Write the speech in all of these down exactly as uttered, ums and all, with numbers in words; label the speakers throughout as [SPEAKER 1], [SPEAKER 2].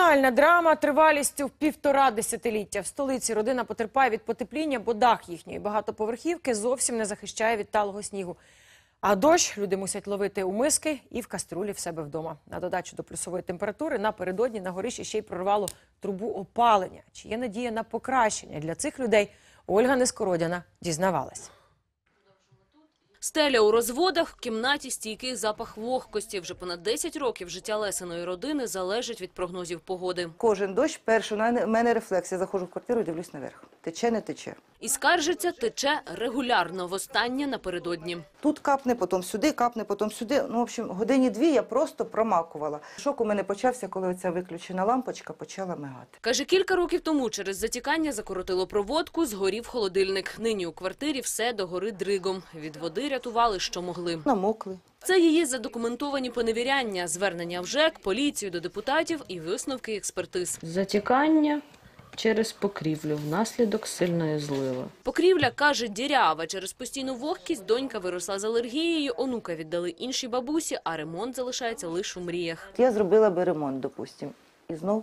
[SPEAKER 1] Комунальна драма тривалістю в півтора десятиліття. В столиці родина потерпає від потепління, бо дах їхньої багатоповерхівки зовсім не захищає від талого снігу. А дощ люди мусять ловити у миски і в каструлі в себе вдома. На додачу до плюсової температури напередодні на горищі ще й прорвало трубу опалення. Чи є надія на покращення для цих людей, Ольга Нескородяна дізнавалась.
[SPEAKER 2] Стеля у розводах, в кімнаті стійкий запах вогкості. Вже понад десять років життя Лесиної родини залежить від прогнозів погоди.
[SPEAKER 3] Кожен дощ, перше, у мене рефлекс. Я заходжу в квартиру і дивлюсь наверх. Тече, не тече.
[SPEAKER 2] І скаржиться, тече регулярно, востаннє напередодні.
[SPEAKER 3] Тут капне, потім сюди, капне, потім сюди. Ну, в общем, годині дві я просто промакувала. Шок у мене почався, коли оця виключена лампочка почала мигати.
[SPEAKER 2] Каже, кілька років тому через затікання закоротило проводку, згорів холодильник. Нині у квартирі все догорить дригом. Від води рятували, що могли.
[SPEAKER 3] Намокли.
[SPEAKER 2] Це її задокументовані поневіряння, звернення в ЖЕК, поліцію, до депутатів і висновки експертиз.
[SPEAKER 4] Затікання через покрівлю внаслідок сильної зливи.
[SPEAKER 2] Покрівля, каже, дірява. Через постійну вогкість донька виросла з алергією, онука віддали іншій бабусі, а ремонт залишається лише у мріях.
[SPEAKER 3] Я зробила би ремонт, допустимо. І знов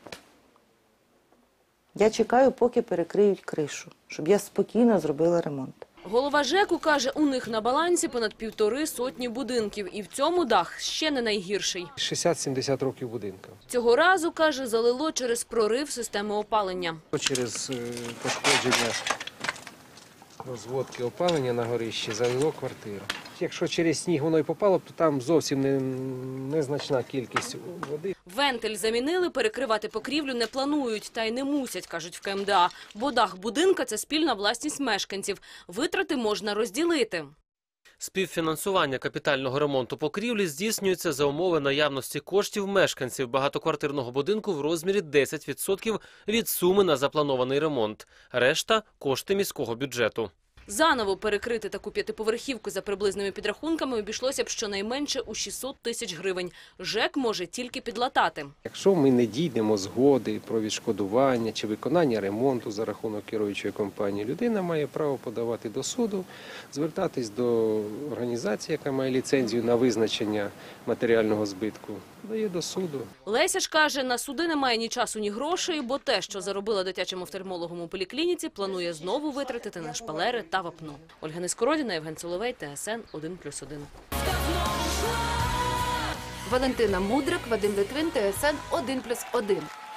[SPEAKER 3] я чекаю, поки перекриють кришу, щоб я спокійно зробила ремонт.
[SPEAKER 2] Голова ЖЕКу каже, у них на балансі понад півтори сотні будинків. І в цьому дах ще не найгірший.
[SPEAKER 5] шістдесят-сімдесят років будинка.
[SPEAKER 2] Цього разу, каже, залило через прорив системи опалення.
[SPEAKER 5] Через пошкодження розводки опалення на горищі залило квартиру. Якщо через сніг воно й попало, то там зовсім не, незначна кількість води.
[SPEAKER 2] Вентиль замінили, перекривати покрівлю не планують. Та й не мусять, кажуть в КМДА. Бо дах будинка – це спільна власність мешканців. Витрати можна розділити.
[SPEAKER 6] Співфінансування капітального ремонту покрівлі здійснюється за умови наявності коштів мешканців багатоквартирного будинку в розмірі десять відсотків від суми на запланований ремонт. Решта – кошти міського бюджету.
[SPEAKER 2] Заново перекрити таку п'ятиповерхівку за приблизними підрахунками обійшлося б щонайменше у шістсот тисяч гривень. ЖЕК може тільки підлатати.
[SPEAKER 5] Якщо ми не дійдемо згоди про відшкодування чи виконання ремонту за рахунок керуючої компанії, людина має право подавати до суду, звертатись до організації, яка має ліцензію на визначення матеріального збитку, дає до суду.
[SPEAKER 2] Леся ж каже, на суди немає ні часу, ні грошей, бо те, що заробила дитячим офтальмологом у поліклініці, планує знову витратити на шпалери та вапно. Ольга Нескородяна, Євген Соловей, ТСН один плюс один.
[SPEAKER 7] Валентина Мудрик, Вадим Литвин, ТСН один плюс один.